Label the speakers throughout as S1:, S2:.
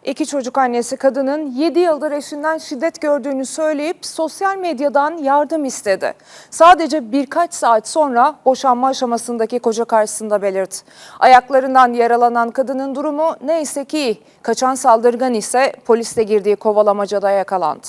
S1: İki çocuk annesi kadının 7 yıldır eşinden şiddet gördüğünü söyleyip sosyal medyadan yardım istedi. Sadece birkaç saat sonra boşanma aşamasındaki koca karşısında belirtti. Ayaklarından yaralanan kadının durumu neyse ki iyi. Kaçan saldırgan ise polisle girdiği kovalamacada yakalandı.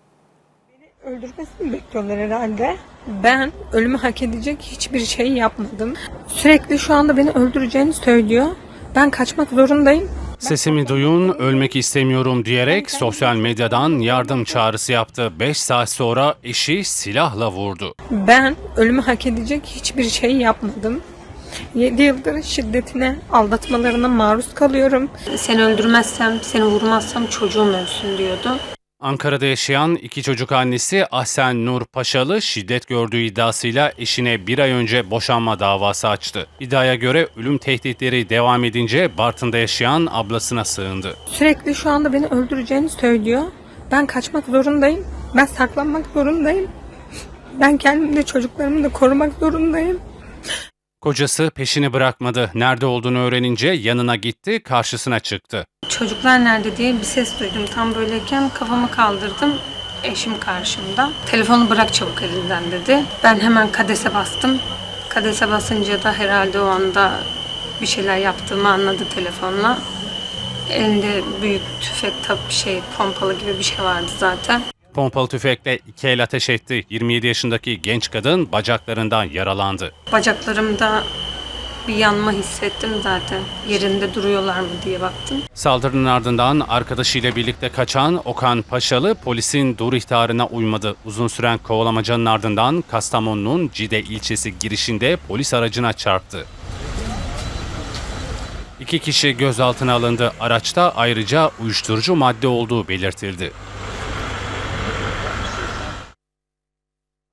S2: Beni öldürmesini bekliyorlar herhalde. Ben ölümü hak edecek hiçbir şey yapmadım. Sürekli şu anda beni öldüreceğini söylüyor. Ben kaçmak zorundayım.
S3: Sesimi duyun, ölmek istemiyorum diyerek sosyal medyadan yardım çağrısı yaptı. 5 saat sonra eşi silahla vurdu.
S2: Ben ölümü hak edecek hiçbir şey yapmadım. 7 yıldır şiddetine, aldatmalarına maruz kalıyorum.
S4: Seni öldürmezsem, seni vurmazsam çocuğum ölsün diyordu.
S3: Ankara'da yaşayan iki çocuk annesi Ahsen Nur Paşalı şiddet gördüğü iddiasıyla eşine bir ay önce boşanma davası açtı. İddiaya göre ölüm tehditleri devam edince Bartın'da yaşayan ablasına sığındı.
S2: Sürekli şu anda beni öldüreceğini söylüyor. Ben kaçmak zorundayım. Ben saklanmak zorundayım. Ben kendimi de çocuklarımı da korumak zorundayım.
S3: Kocası peşini bırakmadı. Nerede olduğunu öğrenince yanına gitti, karşısına çıktı.
S4: Çocuklar nerede diye bir ses duydum. Tam böyleyken kafamı kaldırdım. Eşim karşımda. Telefonu bırak çabuk elinden dedi. Ben hemen kadese bastım. Kadese basınca da herhalde o anda bir şeyler yaptığımı anladı telefonla. Elinde büyük tüfek pompalı gibi bir şey vardı zaten.
S3: Pompalı tüfekle 2 el ateş etti. 27 yaşındaki genç kadın bacaklarından yaralandı.
S4: Bacaklarımda bir yanma hissettim zaten. Yerinde duruyorlar mı diye baktım.
S3: Saldırının ardından arkadaşıyla birlikte kaçan Okan Paşalı polisin dur ihtarına uymadı. Uzun süren kovalamacanın ardından Kastamonu'nun Cide ilçesi girişinde polis aracına çarptı. 2 kişi gözaltına alındı. Araçta ayrıca uyuşturucu madde olduğu belirtildi.